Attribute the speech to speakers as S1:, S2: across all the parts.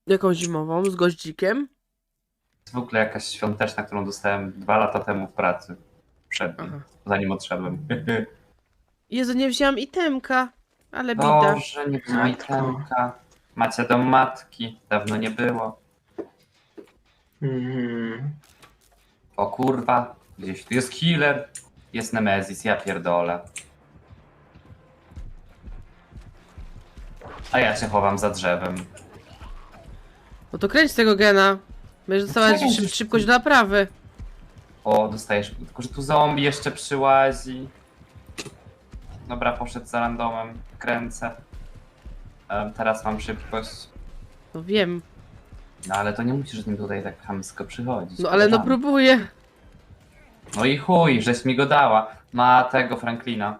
S1: Jaką zimową? Z goździkiem?
S2: Zwykle jakaś świąteczna, którą dostałem 2 lata temu w pracy. Przed nim,
S1: Aha.
S2: zanim odszedłem.
S1: Jezu, nie wzięłam itemka. Ale bida.
S2: Boże, nie wzięła
S3: Matko.
S2: itemka. Macie dom matki. Dawno nie było.
S3: Mhm.
S2: O kurwa. Gdzieś tu jest healer. Jest Nemezis, ja pierdolę. A ja się chowam za drzewem.
S1: No to kręć tego gena. Będziesz dostawać szybkość do naprawy.
S2: O, dostajesz. Tylko, że tu zombie jeszcze przyłazi. Dobra, poszedł za randomem. Kręcę. Teraz mam szybkość.
S1: No wiem.
S2: No ale to nie musisz z nim tutaj tak chamsko przychodzić.
S1: No ale no
S2: koleżanko.
S1: próbuję.
S2: No i chuj, żeś mi go dała. Ma tego Franklina.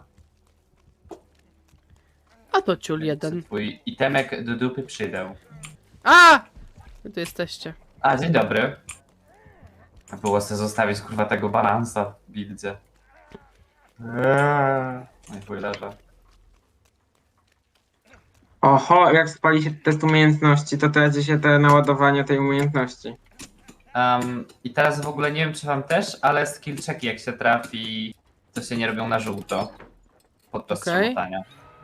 S1: A to ciul jeden.
S2: Twój itemek do dupy przydał.
S1: A! Wy tu jesteście.
S2: A, dzień dobry. A było sobie zostawić kurwa tego balansa w buildzie. No i chuj leżę.
S3: Oho, jak spali się test umiejętności, to traci się te naładowanie tej umiejętności.
S2: I teraz w ogóle nie wiem czy wam też, ale skill checki jak się trafi, to się nie robią na żółto. Podczas
S1: Okej.
S2: szamotania.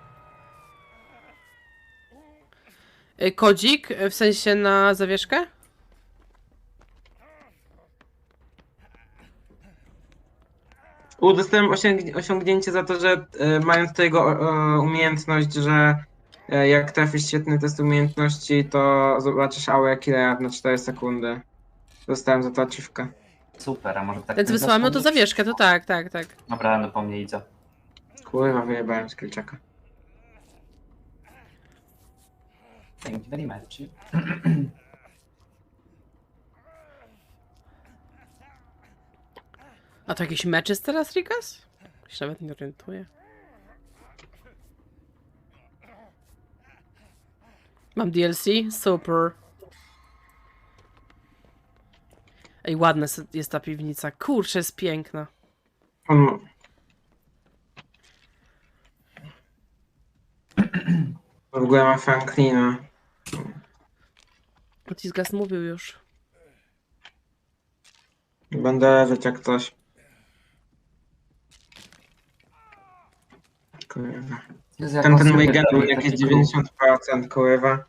S1: Kodzik, w sensie na zawieszkę?
S3: Dostałem osiągnięcie za to, że mając tego umiejętność, że jak trafisz świetny test umiejętności, to zobaczysz aurę killera na 4 sekundy. Dostałem za to achievkę.
S2: Super, a może tak...
S1: Ten co
S2: nie
S1: wysłałem, no to
S2: zapomnieć?
S1: zawieszkę, to tak, tak, tak.
S2: Dobra, no po mnie idzie.
S3: Kurwa, wyjebałem skillczeka.
S2: Thank you very much.
S1: A to jakiś mecz jest teraz, Rikas? Się nawet nie orientuję. Mam DLC? Super. Ej, ładna jest ta piwnica. Kurczę, jest piękna.
S3: On... W ogóle ma Franklina.
S1: Otisgas mówił już.
S3: Będę leżeć jak coś. Kurwa.
S2: Jezu, jak
S3: Ten
S2: on
S3: mój
S2: sobie
S3: gen
S2: robi
S3: jakieś
S2: taki
S3: 90%, kurwa.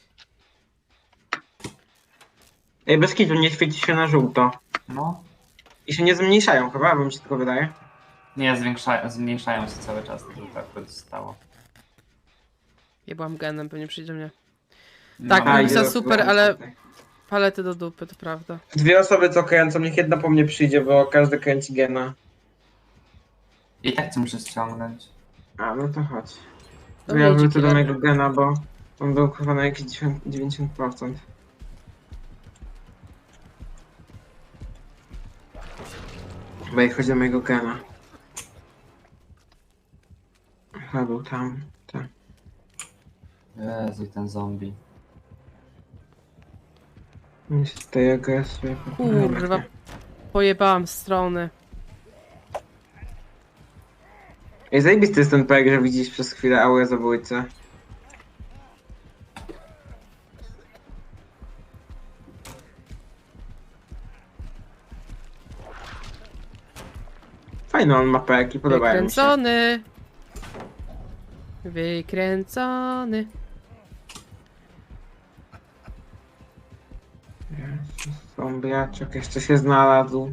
S3: Ej, bez kitu nie świeci się na żółto.
S2: No.
S3: I się nie zmniejszają chyba, bo mi się tylko wydaje.
S2: Nie, zmniejszają się cały czas, to tak to zostało.
S1: Ja byłam genem, pewnie przyjdzie mnie.
S2: No,
S1: Tak,
S2: no,
S1: no,
S2: i-
S1: Lisa super, ale- Palety do dupy, to prawda.
S3: Dwie osoby co kręcą, niech jedna po mnie przyjdzie, bo każdy kręci gena.
S2: I tak cię muszę ściągnąć.
S3: A, no to chodź.
S1: To
S3: To ja
S1: wyjdzie
S3: wrócę do
S1: killer.
S3: mojego gena, bo on był chyba na jakieś 90%. Chyba jak chodzi do mojego gena. Chyba był tam, tak.
S2: Jezu, i ten zombie.
S3: Mi się tutaj agresuje.
S1: Kurwa. Pojebałam strony.
S3: Ej, zajebisty jest ten projekt, że widzisz przez chwilę aurę zabójcy. Fajny on ma perki, podobają mi się.
S1: Wykręcony. Wykręcony.
S3: Zombiaczek jeszcze się znalazł.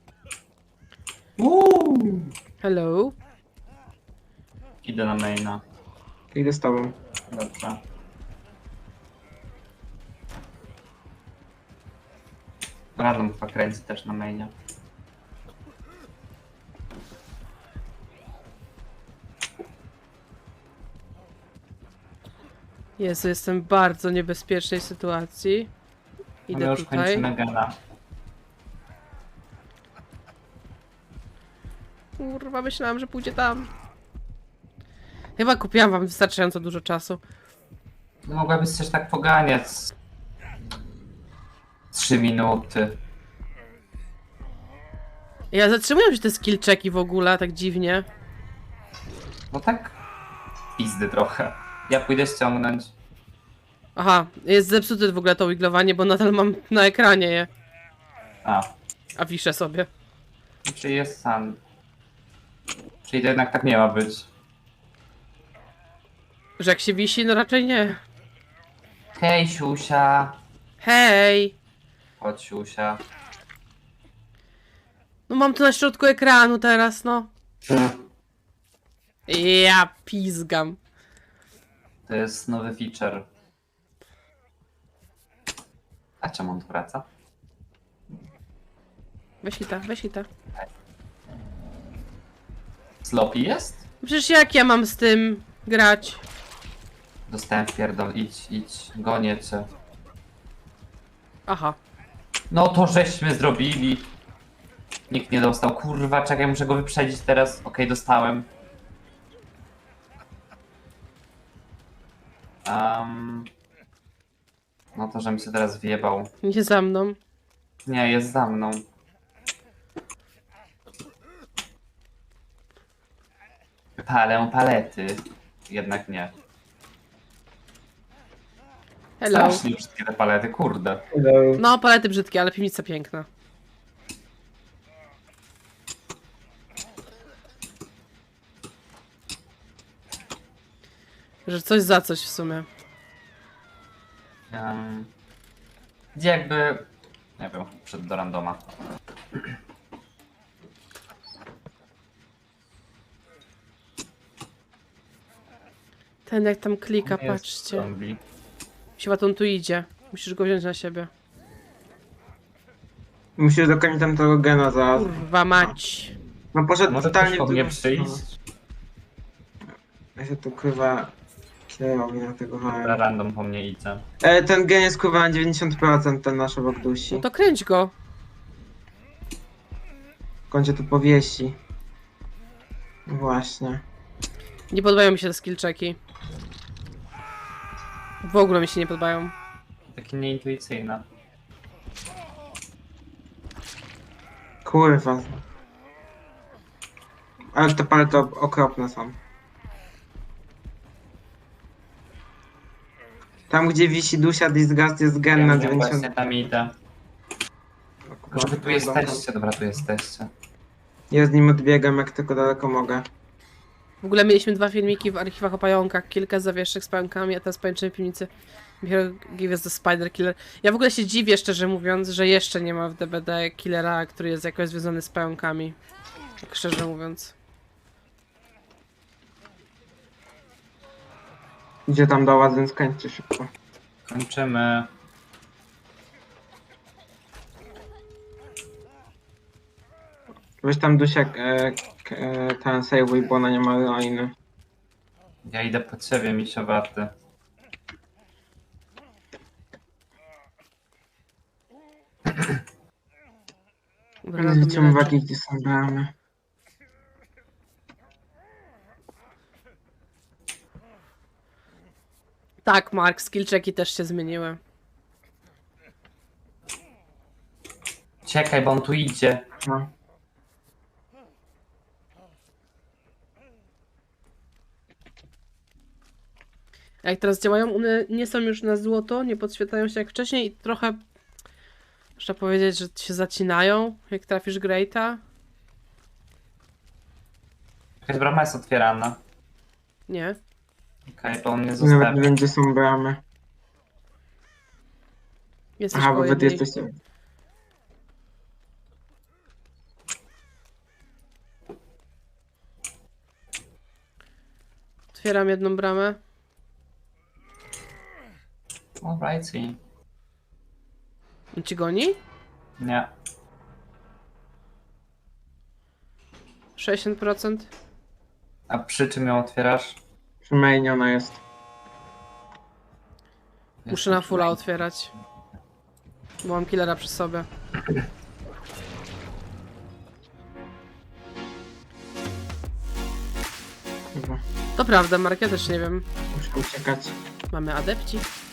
S1: Hello.
S2: Idę na maina.
S3: Idę z tobą.
S2: Dobrze. Random chyba kręci też na mainie.
S1: Jezu, jestem w bardzo niebezpiecznej sytuacji.
S2: My
S1: Idę
S2: już
S1: tutaj.
S2: kończymy gena.
S1: Kurwa, myślałam, że pójdzie tam. Chyba kupiłam wam wystarczająco dużo czasu.
S2: No mogłabyś też tak poganiać. 3 minuty.
S1: Ja zatrzymują się te skill checki w ogóle, tak dziwnie.
S2: No tak pizdy trochę. Ja pójdę ściągnąć.
S1: Aha, jest zepsute w ogóle to wiglowanie, bo nadal mam na ekranie je. A wiszę sobie.
S2: Czyli jest sam. Czyli to jednak tak nie ma być.
S1: Że jak się wisi, no raczej nie.
S2: Hej, siusia.
S1: Hej!
S2: Chodź, siusia.
S1: No mam tu na środku ekranu teraz, no. Ja pizgam.
S2: To jest nowy feature. A czemu on tu wraca?
S1: Weź hita, weź hita.
S2: Sloppy jest?
S1: Przecież jak ja mam z tym grać?
S2: Dostałem pierdol, idź, gonię cię.
S1: Aha.
S2: No to żeśmy zrobili. Nikt nie dostał. Kurwa, czekaj, muszę go wyprzedzić teraz. Okej, dostałem. No to, żebym się teraz wjebał.
S1: Nie za mną.
S2: Nie, jest za mną. Palę palety. Jednak nie.
S1: Hello.
S2: Strasznie brzydkie te palety, kurde.
S1: No, palety brzydkie, ale piwnica piękna. Że coś za coś w sumie.
S2: Gdzie jakby... Nie wiem, przed do randoma.
S1: Ten jak tam klika,
S2: Jest
S1: patrzcie.
S2: zombie.
S1: Siła, on tu idzie. Musisz go wziąć na siebie.
S3: Musisz dokończyć tam tego gena zaraz.
S1: Kurwa mać.
S3: No poszedł
S2: Może
S3: totalnie
S2: ktoś po
S3: w
S2: mnie
S3: drugą
S2: przyjść?
S3: stronę. Ja się tu kurwa kierowi na tego
S2: Dobra,
S3: hałem.
S2: random po mnie idzie.
S3: Ten gen jest kurwa na 90%, ten nasz obok dusi.
S1: No to kręć go.
S3: W końcu tu powiesi. Właśnie.
S1: Nie podobają mi się te skill checki. W ogóle mi się nie podobają.
S2: Takie nieintuicyjne.
S3: Kurwa. Ale te palety okropne są. Tam gdzie wisi dusia Disgust jest gen na
S2: Ja wiem,
S3: 90%.
S2: właśnie tam idę. Może wy tu jesteście? Dobra, tu jesteście.
S3: Ja z nim odbiegam jak tylko daleko mogę.
S1: W ogóle mieliśmy 2 filmiki w archiwach o pająkach, kilka zawieszek z pająkami, a teraz pajęczyny w piwnicy. Give us the Spider Killer. Ja w ogóle się dziwię, szczerze mówiąc, że jeszcze nie ma w DBD killera, który jest jakoś związany z pająkami. Tak szczerze mówiąc.
S3: Idzie tam do was, więc kończcie szybko.
S2: Kończymy.
S3: Weź tam dusia ten sejwuj, bo ona nie ma liny.
S2: Ja idę po ciebie, misiowaty.
S1: Dobra, to mnie
S3: Zwrócimy
S1: leczy.
S3: uwagi, gdzie są bramy.
S1: Tak, Mark, skill checki też się zmieniły.
S2: Czekaj, bo on tu idzie.
S3: No.
S1: A jak teraz działają, one nie są już na złoto, nie podświetlają się jak wcześniej i trochę można powiedzieć, że się zacinają, jak trafisz Greata.
S2: Jakaś brama jest otwierana.
S1: Nie.
S2: Okej, bo on mnie
S3: Nawet
S2: zostawi.
S3: nie wiem, gdzie są bramy.
S1: Jesteś
S3: Aha,
S1: koło
S3: bo wy tu
S1: jednej.
S3: jesteście.
S1: Otwieram jedną bramę.
S2: Alrighty.
S1: On ci goni?
S2: Nie.
S1: 60%.
S2: A przy czym ją otwierasz?
S3: Przy mainie ona jest.
S1: Muszę na fulla otwierać. Bo mam killera przy sobie.
S3: Chyba.
S1: To prawda, Mark, ja też nie wiem.
S3: Muszę uciekać.
S1: Mamy adepci.